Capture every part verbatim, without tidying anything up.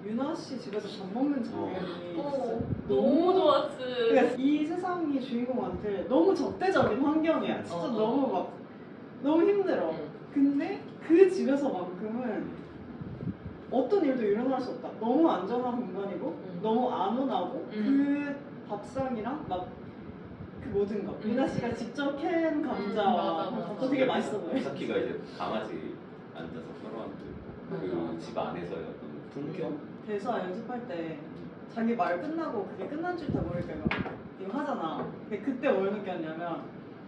유나 씨 집에서 밥 먹는 장면이 어, 진짜 너무 좋았지. 그러니까 이 세상이 주인공한테 너무 적대적인 환경이야. 진짜 어, 어. 너무 막 너무 힘들어. 응. 근데 그 집에서만큼은 어떤 일도 일어날 수 없다. 너무 안전한 공간이고 응. 너무 안온하고 응. 그 밥상이랑 막 그 모든 것. 응. 유나 씨가 직접 캔 응, 감자와 맞아, 맞아. 그거 되게 맛있어 보여. 미사키가 이제 강아지 앉아서 서로한테 맞아. 그 집 안에서의 어떤 풍경? 대사 연습할 때 자기 말 끝나고 그게 끝난 줄 다 모르니까 이거, 이거 하잖아. 근데 그때 뭘 느꼈냐면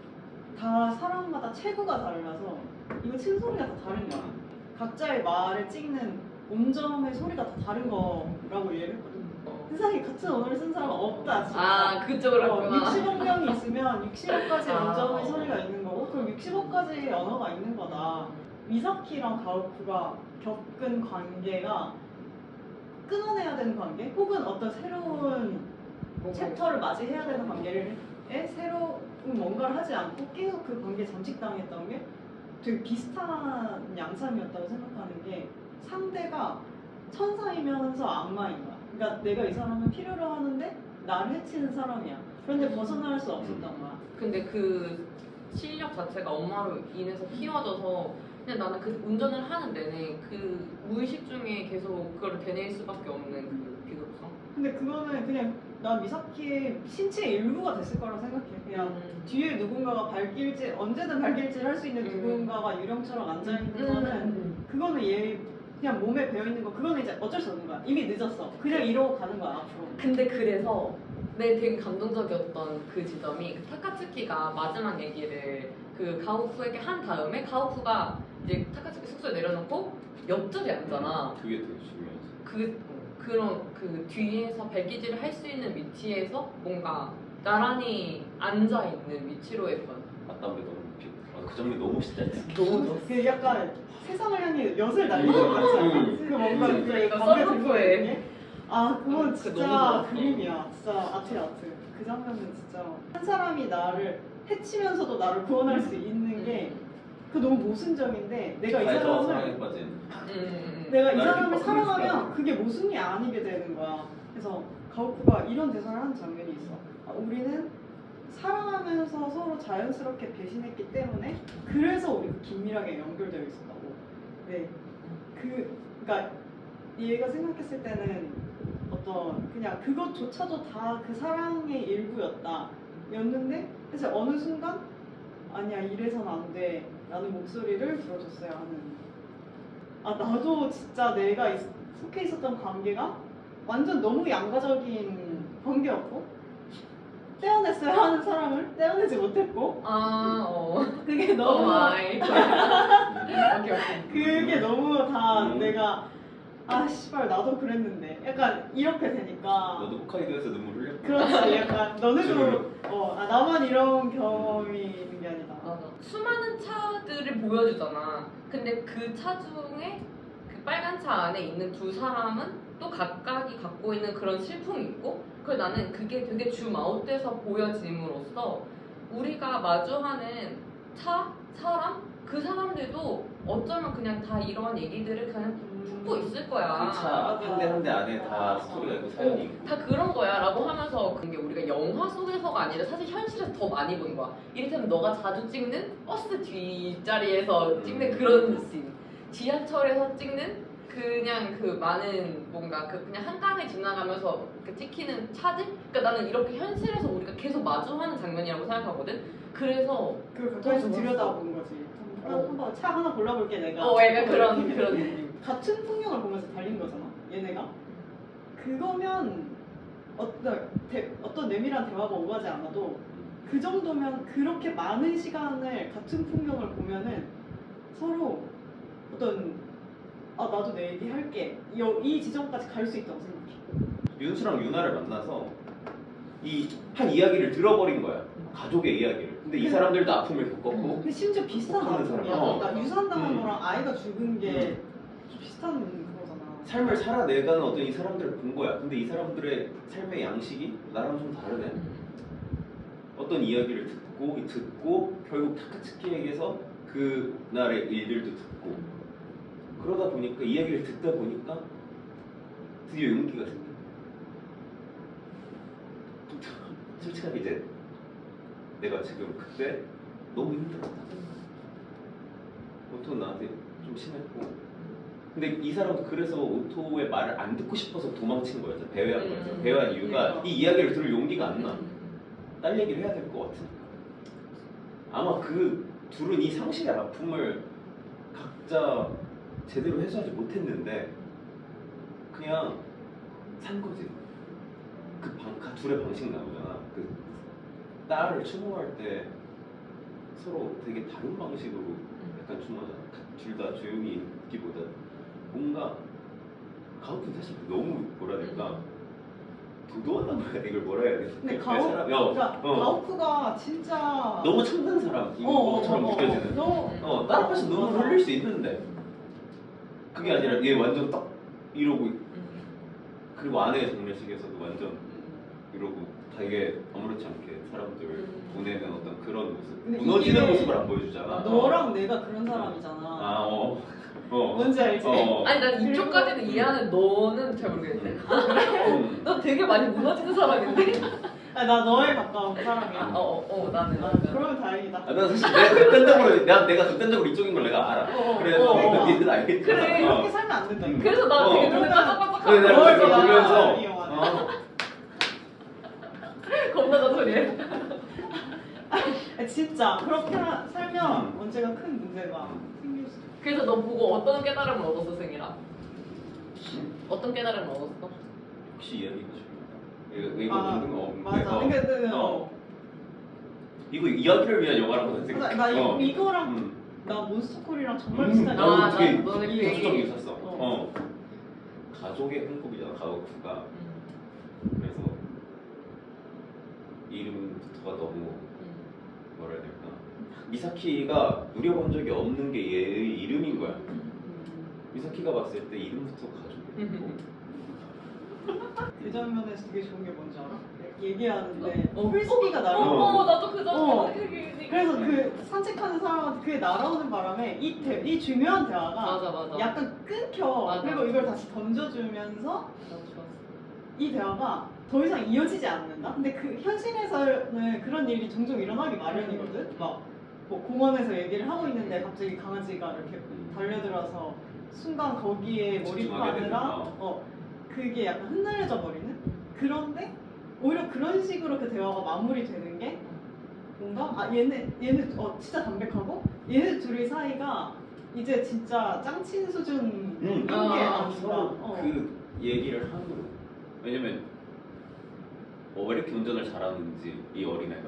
다 사람마다 체구가 달라서 이거 친 소리가 다 다른 거야. 각자의 말을 찍는 온점의 소리가 다 다른 거라고 이해를 했거든. 세상에 같은 언어를 쓴 사람은 없다 진짜. 아, 그쪽으로 어, 했구나. 육십억 명이 있으면 육십억 가지 아. 온점의 소리가 있는 거고 그럼 육십억 가지 언어가 있는 거다. 미사키랑 가오쿠가 겪은 관계가 끊어내야 되는 관계 혹은 어떤 새로운 챕터를 맞이해야 되는 관계를 에 새로운 뭔가를 하지 않고 계속 그 관계에 잠식당했던 게 되게 비슷한 양상이었다고 생각하는 게 상대가 천사이면서 악마인 거야. 그러니까 내가 이 사람을 필요로 하는데 나를 해치는 사람이야. 그런데 벗어날 수 없었던 거야. 근데 그 실력 자체가 엄마로 인해서 키워져서 그냥 나는 그 운전을 하는 내내 그 무의식 중에 계속 그걸 되뇌일 수밖에 없는 그 비극성. 근데 그거는 그냥 난 미사키의 신체의 일부가 됐을 거라고 생각해. 그냥 음. 뒤에 누군가가 발길질 언제든 발길질 할 수 있는 음. 누군가가 유령처럼 앉아 있는 음. 거는 음. 그거는 얘 그냥 몸에 배어 있는 거 그거는 이제 어쩔 수 없는 거야. 이미 늦었어. 그냥 이러고 가는 거야 앞으로. 근데 그래서 내 되게 감동적이었던 그 지점이 그 타카츠키가 마지막 얘기를 그 가오쿠에게 한 다음에 가오쿠가 이제 타카츠키 숙소에 내려놓고 옆자리에 앉잖아. 그게 되게 중요하지. 그 그런 그 뒤에서 발기질을 할 수 있는 위치에서 뭔가 나란히 앉아 있는 위치로의 변화. 맞담배 너무 웃기고. 아, 그 장면 너무 멋있지 않지? 너무 좋았어. 그 약간 세상을 향해 엿을 날리는 것 같지 않아? 음. 그 뭔가 그 그러니까 관계 들고 썰렁해. 있는 게? 아 그건 그 진짜 너무 좋았어. 그림이야. 진짜 아트야 아트. 그 장면은 진짜 한 사람이 나를 해치면서도 나를 구원할 수 있는 게 그 너무 모순적인데 내가 이 알죠? 사랑에 사람을 빠진. 음. 내가 이 나를 사람을 핍박하는 사랑하면 그게 모순이 아니게 되는 거야. 그래서 가오쿠가 이런 대사를 하는 장면이 있어. 아, 우리는 사랑하면서 서로 자연스럽게 배신했기 때문에 그래서 우리가 긴밀하게 연결되어 있었다고. 네. 그, 그러니까 얘가 생각했을 때는 어떤 그냥 그것조차도 다 그 사랑의 일부였다. 였는데 그래서 어느 순간 아니야 이래선 안 돼. 라는 목소리를 들어줬어야 하는. 아 나도 진짜 내가 있, 속해 있었던 관계가 완전 너무 양가적인 관계였고 떼어냈어야 하는 사람을 떼어내지 못했고 아 어. 그게 어 너무 마이. 오케이 오케이. 그게 너무 다 음. 내가 아 씨발 나도 그랬는데 약간 이렇게 되니까 너도 홋카이도에서 눈물 흘렸고. 그렇지 약간 너네도 주르륵. 어 아, 나만 이런 경험이 있는 게 아니다. 맞아. 수많은 차들을 보여주잖아. 근데 그 차 중에 그 빨간 차 안에 있는 두 사람은 또 각각이 갖고 있는 그런 슬픔이 있고, 그래서 나는 그게 되게 줌아웃돼서 보여짐으로써 우리가 마주하는 차, 사람, 그 사람들도 어쩌면 그냥 다 이런 얘기들을 그냥 품고 있을 거야. 그차 한 대 한 대 안에 다 스토리가 있고 사연이 있고. 다 그런 거야 라고 하면서 그게 우리가 영화 속에서가 아니라 사실 현실에서 더 많이 보는 거야. 이를테면 너가 자주 찍는 버스 뒷자리에서 찍는 그런 씬, 지하철에서 찍는 그냥 그 많은 뭔가 그 그냥 한강을 지나가면서 그 찍히는 차들? 그러니까 나는 이렇게 현실에서 우리가 계속 마주하는 장면이라고 생각하거든. 그래서 그걸 가까이서 너무 들여다본 거지. 한- 어. 한번 차 하나 골라볼게 내가. 어 약간 그런 이렇게. 그런 느낌. 같은 풍경을 보면서 달린 거잖아. 얘네가. 그거면 어떤 대, 어떤 내밀한 대화가 오가지 않아도 그 정도면 그렇게 많은 시간을 같은 풍경을 보면은 서로 어떤 아 나도 내 얘기 할게 이, 이 지점까지 갈 수 있다고 생각해. 윤수랑 유나를 만나서 이 한 이야기를 들어버린 거야. 가족의 이야기를. 근데 이 사람들도 아픔을 겪었고. 근데 심지어 비슷한 하는 아픔이야. 사람. 어. 그러니까 유산당한 음. 거랑 아이가 죽은 게 비슷한 그거잖아. 삶을 살아내가는 어떤 이 사람들을 본 거야. 근데 이 사람들의 삶의 양식이 나랑 좀 다르네. 어떤 이야기를 듣고 듣고 결국 타카츠키에게서 그날의 일들도 듣고 그러다 보니까 이야기를 듣다 보니까 드디어 용기가 생겨. 솔직하게 이제 내가 지금 그때 너무 힘들었다. 오토는 나한테 좀 심했고, 근데 이 사람도 그래서 오토의 말을 안 듣고 싶어서 도망친 거였어. 배회한 거였어. 음. 배회한 이유가 그러니까. 이 이야기를 들을 용기가 안 나. 음. 딸 얘기를 해야 될 것 같으니까. 아마 그 둘은 이 상실의 아픔을 각자 제대로 해소하지 못했는데 그냥 산 거지. 그 방, 가- 둘의 방식 나오잖아. 그 딸을 추모할 때 서로 되게 다른 방식으로 약간 추모하잖아. 둘 다 조용히 있기보다 뭔가 가오프는 사실 너무 뭐라 해야 될까, 도도하단 말이야. 이걸 뭐라 해야 돼? 근데 그 가오, 사람- 그러니까 어. 가오프가 진짜 너무 참된 사람인 것처럼 느껴지는. 너무 어, 딸 앞에서 눈물 맞아. 흘릴 수 있는데 그게 아니라 얘 완전 딱 이러고, 그리고 아내의 장례식에서도 완전 이러고 되게 아무렇지 않게 사람들 음. 보내는 어떤 그런 모습, 근데 무너지는 이게 모습을 안 보여주잖아. 너랑 내가 그런 사람이잖아. 아, 어, 어, 뭔지 알지? 어. 아니 난 그리고- 이쪽까지는 이해하는 너는 잘 모르겠네. 음. 너 되게 많이 무너지는 사람인데. 아니, 나 너에 가까운 사람이야. 어어 어, 나는. 아, 그러면 다행이다. 아, 난 사실 내가 극단적으로 내가, 내가 극단적으로 이쪽인 걸 내가 알아. 어, 어, 그래서 어, 어. 니들 알겠지. 그래, 이렇게 살면 안 된다. 음. 그래서 나 어. 되게 눈을 그러면- 반짝반짝 그래, 내가 뭘 그걸 봐. 보면서 이용하네. 어, 겁나 잔소리해. 아, 진짜 그렇게 하- 살면 음. 언제가 큰 문제가 생길 수. 그래서 너 보고 어떤 깨달음을 얻었어, 승이라? 음? 어떤 깨달음을 얻었어? 혹시 이야기가 중요하다. 이거 이거 아, 듣는 거 없는데. 맞아. 어. 그러니까 그, 어. 어. 이거 이야기를 위한 영화라고 나, 생각해. 나 이거, 어. 이거랑 음. 나 몬스터콜이랑 정말 음, 비슷한. 나도 아, 되게 나- 너네 그 얘기- 이성적이 있었어. 어. 어. 가족의 행복이잖아, 가오쿠가. 그래서 이름부터가 너무 뭐라 해야 될까? 미사키가 누려본 적이 없는 게 얘의 이름인 거야. 미사키가 봤을 때 이름부터 가족의 행복. 그 장면에서 되게 좋은 게 뭔지 알아? 얘기하는데 어, 프리스비가 어, 날아오고 어, 나도 그 장면 어. 생각이- 그래서 그 산책하는 사람한테 그게 날아오는 바람에 이, 대, 이 중요한 대화가 맞아 맞아. 약간 끊겨. 맞아. 그리고 이걸 다시 던져주면서 너무 좋았어. 이 대화가 더 이상 이어지지 않는다? 근데 그 현실에서는 그런 일이 종종 일어나기 마련이거든? 막 뭐 공원에서 얘기를 하고 있는데 갑자기 강아지가 이렇게 달려들어서 순간 거기에 집중하게 되는, 몰입하느라 어. 어, 그게 약간 흔들려져 버리는? 그런데 오히려 그런 식으로 그 대화가 마무리되는 게 뭔가 아 얘네 얘네 어 진짜 담백하고 얘네 둘이 사이가 이제 진짜 짱친 수준인 음. 게 아, 아닌가. 서로 어. 그 얘기를 하는 거야. 왜냐면 뭐 왜 이렇게 운전을 잘하는지 이 어린애가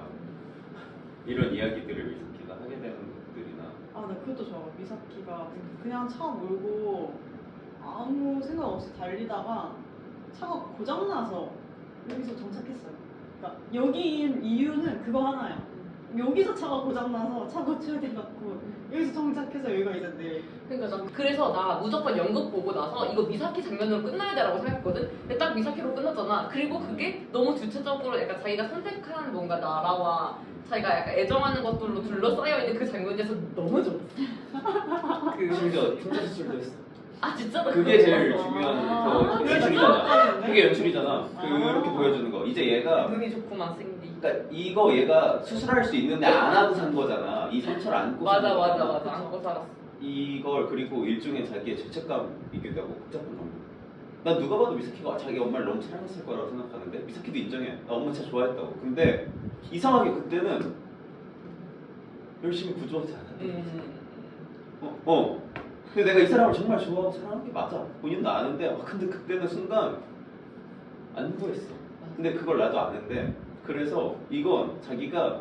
이런 이야기들을 미사키가 하게 되는 것들이나. 아, 나 그것도 좋아. 미사키가 그냥 차 몰고 아무 생각 없이 달리다가 차가 고장나서 여기서 정착했어요. 그러니까 여기인 이유는 그거 하나야. 여기서 차가 고장나서 차 고쳐야 돼갖고 여기서 정착해서 여기가 이제 내 그러니까 나 그래서 나 무조건 연극 보고 나서 이거 미사키 장면으로 끝나야 돼라고 생각했거든. 근데 딱 미사키로 끝났잖아. 그리고 그게 너무 주체적으로 약간 자기가 선택한 뭔가 나라와 자기가 약간 애정하는 것들로 둘러싸여 있는 그 장면에서 너무 좋았어. 그 심지어 흉터 수술도 했어. 아 진짜 나 그게 그거 제일 봤어. 중요한 아, 그 그래, 연출이잖아. 기억하는데? 그게 연출이잖아. 아. 그렇게 보여주는 거. 이제 얘가 눈이 좋구만 싱디. 그러니까 이거 얘가 수술할 수 있는데 안 하고 산 거잖아. 이 상처를 안고 산 맞아 맞아 거잖아. 맞아 안고 살았어. 이걸 그리고 일종의 자기의 죄책감이기도 하고 복잡한 감정. 난 누가 봐도 미사키가 자기 엄마를 너무 사랑했을 거라고 생각하는데 미사키도 인정해. 나 엄마 진짜 좋아했다고. 근데 이상하게 그때는 열심히 구조하지 않았던 거지. 음. 어, 어. 근데 내가 이 사람을 정말 좋아하고 사랑하는 게 맞아. 본인도 아는데 아, 근데 그때는 순간 안 보였어. 근데 그걸 나도 아는데 그래서 이건 자기가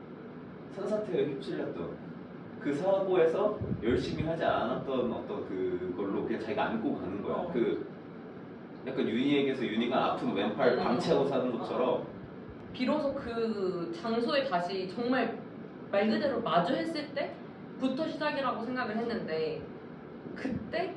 산사태에 휩쓸렸던 그 사고에서 열심히 하지 않았던 어떤 그걸로 그냥 자기가 안고 가는 거야. 어. 그 약간 윤희에게서 윤희가 아픈 왼팔 음. 방치하고 사는 것처럼 비로소 그 장소에 다시 정말 말 그대로 마주했을 때부터 시작이라고 생각을 했는데 그때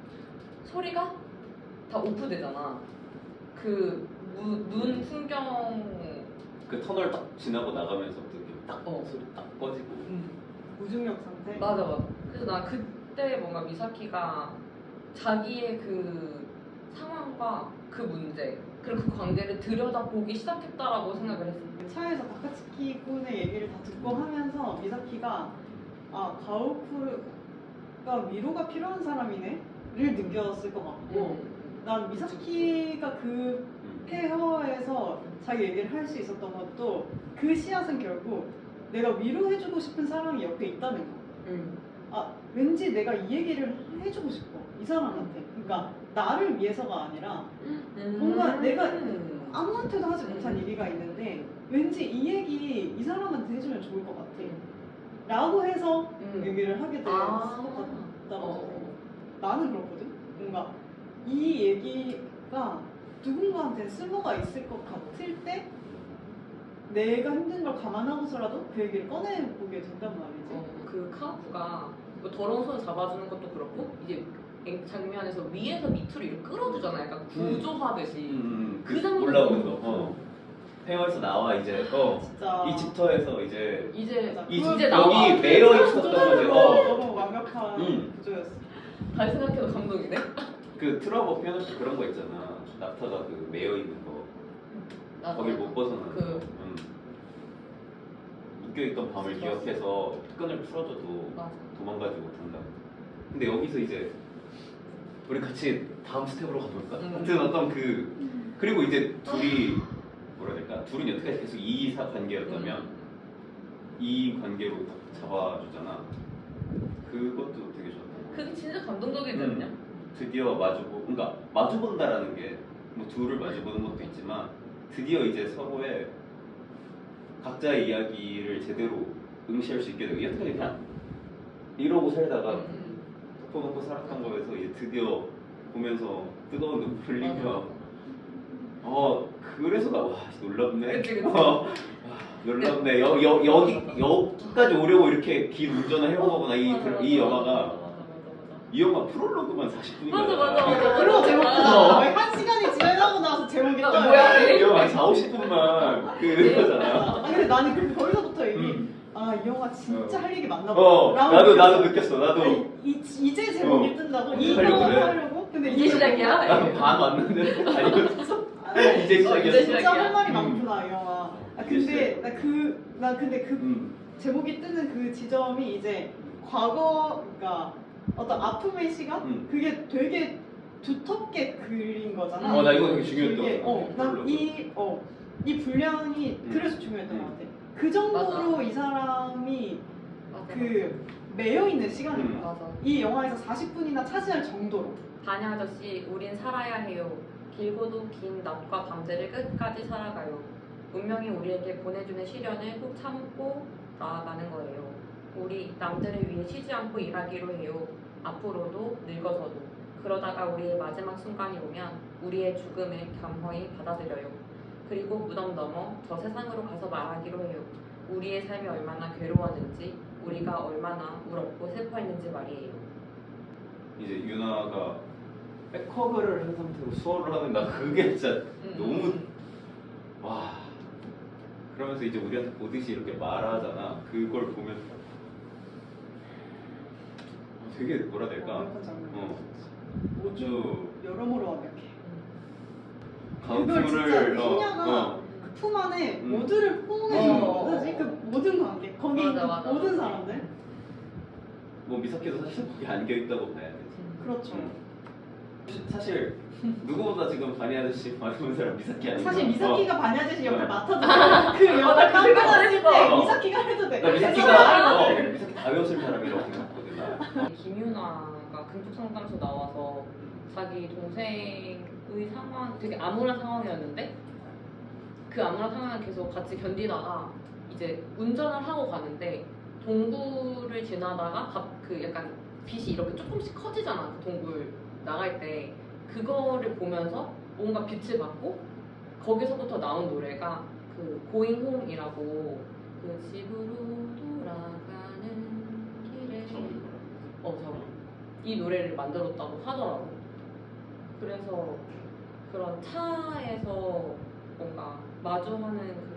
소리가 다 오프되잖아. 그 눈 풍경 그 터널 딱 지나고 나가면서부터 이렇게 딱 어. 소리 딱 꺼지고 무중력 상태. 맞아 맞아. 그래서 나 그때 뭔가 미사키가 자기의 그 상황과 카우프가 그 문제 그리고 그 관계를 들여다보기 시작했다라고 생각을 했어요. 차에서 다카츠키 군의 얘기를 다 듣고 하면서 미사키가 아 가오쿠가 위로가 필요한 사람이네를 느꼈을 것 같고 음. 난 미사키가 그 폐허에서 자기 얘기를 할 수 있었던 것도 그 씨앗은 결국 내가 위로해주고 싶은 사람이 옆에 있다는 거. 음. 아 왠지 내가 이 얘기를 해주고 싶어 이 사람한테. 그러니까 나를 위해서가 아니라 뭔가 내가 음. 아무한테도 하지 못한 음. 얘기가 있는데 왠지 이 얘기 이 사람한테 해주면 좋을 것 같아 라고 해서 음. 얘기를 하게 됐을 아. 것 같다고 어. 나는 그렇거든. 뭔가 이 얘기가 누군가한테 쓸모가 있을 것 같을 때 내가 힘든 걸 감안하고서라도 그 얘기를 꺼내보게 된단 말이지. 어, 그 카우프가 뭐 더러운 손을 잡아주는 것도 그렇고 이제 장면에서 위에서 밑으로 이렇게 끌어주잖아. 약간 구조하듯이. 음, 그 그 장면이 올라오는 너무 거. 어. 폐허에서 나와 이제 어. 진짜 이 집터에서 이제 이제 맞아. 이 그걸 이제 나와. 여기 매여 있었던 거지. 구조적으로 어. 너무 완벽한 음. 구조였어. 다시 생각해도 감동이네. 그 트라우마 표현할 때 그런 거 있잖아. 낙타가 그 매여 있는 거. 나도 거길 못 벗어나는 그- 거. 음. 묶여있던 밤을 맞아. 기억해서 끈을 풀어줘도 맞아. 도망가지 못한다. 근데 여기서 이제 우리 같이 다음 스텝으로 가볼까? 음. 하여튼 어떤 그 그리고 이제 둘이 뭐라 해야 될까? 둘은 여태까지 계속 이사 관계였다면 음. 이 관계로 딱 잡아주잖아. 그것도 되게 좋았던 거. 그게 진짜 감동적이지 음. 않냐? 드디어 마주보, 그러니까 마주본다라는 게 뭐 둘을 마주보는 것도 있지만 드디어 이제 서로의 각자의 이야기를 제대로 응시할 수 있게 되고 여태까지 그냥 이러고 살다가 음. 덮어놓고 살았던 거에서 이제 드디어 보면서 뜨거운 눈물 흘리며 어 그래서 나 와 놀랍네. 그치, 그치. 어, 와, 놀랍네. 여, 여, 여기 여기까지 오려고 이렇게 긴 운전을 해온 거구나. 이, 맞아, 맞아, 이 맞아, 영화가 맞아, 맞아, 맞아. 이 영화 프롤로그만 사십 분이야. 맞아, 맞아, 맞아. 그리고 제목도 어. 거의 한 시간이 지나고 나서 제목이 나 떠요. 뭐야, 이 영화 한 사오십 분만 그거잖아. 아, 근데 나는 그 거기서부터 이미 음. 아 이 영화 진짜 어. 할 얘기 많나 보다. 어, 라고 나도 느꼈어. 나도 느꼈어. 나도 아니, 이, 이제 제목이 어. 뜬다고? 이제 이거 하려고 그래. 하려고? 근데 이게 시작이야? 나도 반 왔는데 아니 아, 이제 이제 시작이었어. 진짜 할 말이 음. 많구나 이 영화. 아, 근데 글쎄. 나 그 나 근데 그 음. 제목이 뜨는 그 지점이 이제 과거 그러니까 어떤 아픔의 시간 음. 그게 되게 두텁게 그린 거잖아. 어, 나 이거 되게 중요했던 되게, 것 같아. 어, 난이 어, 이 분량이 음. 그래서 중요했던 음. 것 같아. 그 정도로 맞아. 이 사람이 맞아, 그 매여 있는 시간인 음. 거야. 맞아. 이 영화에서 사십 분이나 차지할 정도로. 다냐 아저씨, 우린 살아야 해요. 길고도 긴 낮과 밤새를 끝까지 살아가요. 운명이 우리에게 보내주는 시련을 꾹 참고 나아가는 거예요. 우리 남들을 위해 쉬지 않고 일하기로 해요. 앞으로도 늙어서도. 그러다가 우리의 마지막 순간이 오면 우리의 죽음을 겸허히 받아들여요. 그리고 무덤 넘어 저 세상으로 가서 말하기로 해요. 우리의 삶이 얼마나 괴로웠는지, 우리가 얼마나 울었고 슬퍼했는지 말이에요. 이제 유나가 백허그를 한 상태로 수어를 하는 나 그게 진짜 음. 너무 와 그러면서 이제 우리한테 보듯이 이렇게 말하잖아. 그걸 보면 되게 뭐라 해야 될까? 완벽한 장면. 어. 모두 여러모로 완벽해. 가오프를 그걸 진짜 어, 희냐가 어. 그 품 안에 음. 모두를 포옹해주는 어. 거지. 그 모든 관계, 거기 맞아, 있는 맞아, 모든 맞아. 사람들. 뭐 미사키도 사실 거기 안겨 있다고 봐야 돼. 그렇죠. 음. 사실 누구보다 지금 바니 아저씨 많은 사람 미사키 아닌가? 사실 미사키가 바니 아저씨 역할 어. 맡아도 그 영화 맞아, 그 깜빡 생각 했을 했어. 때 어. 미사키가 해도 돼. 나 그래서 미사키가 어, 나는 미사키 다 배웠을 사람이라고 생각하거든 나. 김윤아가 금쪽 상담소 나와서 자기 동생의 상황, 되게 암울한 상황이었는데 그 암울한 상황을 계속 같이 견디다가 이제 운전을 하고 가는데 동굴을 지나다가 갑- 그 약간 빛이 이렇게 조금씩 커지잖아. 그 동굴 나갈 때 그거를 보면서 뭔가 빛을 받고 거기서부터 나온 노래가 그 Going Home이라고 그 집으로 돌아가는 길에 어, 저이 노래를 만들었다고 하더라고. 그래서 그런 차에서 뭔가 마주하는